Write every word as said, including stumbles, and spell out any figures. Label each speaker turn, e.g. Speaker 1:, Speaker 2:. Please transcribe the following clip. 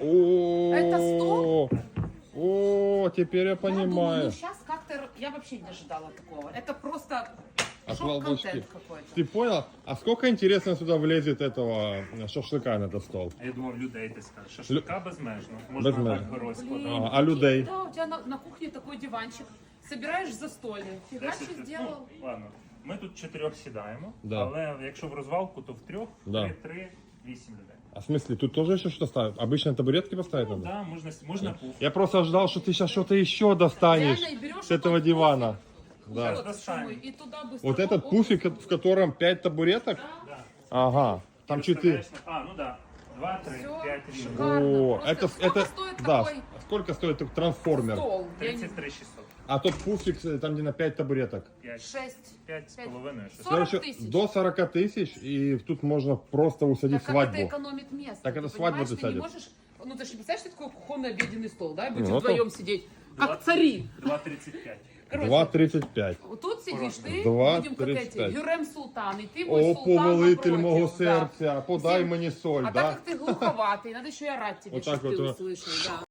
Speaker 1: Это
Speaker 2: О, о, теперь я
Speaker 1: Я думаю, ну
Speaker 2: понимаю.
Speaker 1: сейчас как-то я вообще не ожидала такого. Это просто
Speaker 2: Отвал башки.
Speaker 1: шок-контент какой-то.
Speaker 2: Ты понял? А сколько, интересно, сюда влезет этого шашлыка на этот стол?
Speaker 3: А я думав, людей ти скажеш. Шашлика безмежно. Можна
Speaker 2: Безмежно.
Speaker 3: так герой
Speaker 1: Блин,
Speaker 3: складати.
Speaker 2: А, а людей?
Speaker 1: Да, у тебя на, на кухне такой диванчик. Собираешь застолье. Фига что
Speaker 3: Десять-
Speaker 1: сделал.
Speaker 3: Ну, ладно. Ми тут чотирьох сідаємо,
Speaker 2: Да.
Speaker 3: але якщо в розвалку, то в трьох,
Speaker 2: Да.
Speaker 3: три, три, вісім людей.
Speaker 2: А в смысле, тут тоже еще что-то ставят? Обычно табуретки поставить
Speaker 3: Ну,
Speaker 2: надо?
Speaker 3: да, можна, с- можна пуф.
Speaker 2: Я просто ожидал, что ты сейчас что-то еще достанешь
Speaker 1: Реально, и берешь
Speaker 2: с этого
Speaker 1: этот
Speaker 2: дивана.
Speaker 1: Вот,
Speaker 2: Да.
Speaker 1: что
Speaker 3: Достанем.
Speaker 1: мы, и туда быстро.
Speaker 2: Вот этот
Speaker 1: оп,
Speaker 2: пуфик, в котором пять табуреток?
Speaker 3: Да.
Speaker 2: Ага, там четыре.
Speaker 3: Розставляєш на- А, ну да. Два, три,
Speaker 1: Всё,
Speaker 3: п'ять рівно.
Speaker 1: шикарно.
Speaker 2: О,
Speaker 1: Просто
Speaker 2: это,
Speaker 1: сколько
Speaker 2: это,
Speaker 1: стоит
Speaker 2: да,
Speaker 1: такой
Speaker 2: сколько стоит этот трансформер?
Speaker 1: стол? Я не-
Speaker 3: тридцять три шістсот.
Speaker 2: А тот пуфик, э, там где на пять табуреток.
Speaker 3: П'ять.
Speaker 1: Шесть.
Speaker 3: П'ять з
Speaker 1: П'ять.
Speaker 3: половиною. шість.
Speaker 1: сорок
Speaker 2: Короче,
Speaker 1: тысяч.
Speaker 2: до сорока тысяч, и тут можно просто усадить
Speaker 1: Так как
Speaker 2: свадьбу.
Speaker 1: это экономит место.
Speaker 2: Так
Speaker 1: ты
Speaker 2: это свадьбу
Speaker 1: понимаешь, ты не
Speaker 2: засадят.
Speaker 1: можешь. Ну ты же не представляешь, что такое кухонный обеденный стол, да? И будете
Speaker 2: Ну, это-
Speaker 1: вдвоем сидеть. Как
Speaker 3: Двадцать-
Speaker 1: цари.
Speaker 3: два тридцать пять.
Speaker 1: Короче,
Speaker 2: два тридцать пять.
Speaker 1: вот тут сидишь ты,
Speaker 2: Два
Speaker 1: будем как
Speaker 2: тридцать
Speaker 1: эти,
Speaker 2: пять.
Speaker 1: Юрем Султан, и ты мой
Speaker 2: О,
Speaker 1: султан
Speaker 2: повелитель
Speaker 1: напротив,
Speaker 2: мого
Speaker 1: да.
Speaker 2: сердця, подай
Speaker 1: Всем-
Speaker 2: мені соль,
Speaker 1: А
Speaker 2: да?
Speaker 1: так как ты глуховатый, надо еще и орать тебе,
Speaker 2: Вот так
Speaker 1: чтобы ты
Speaker 2: вот,
Speaker 1: услышал, да.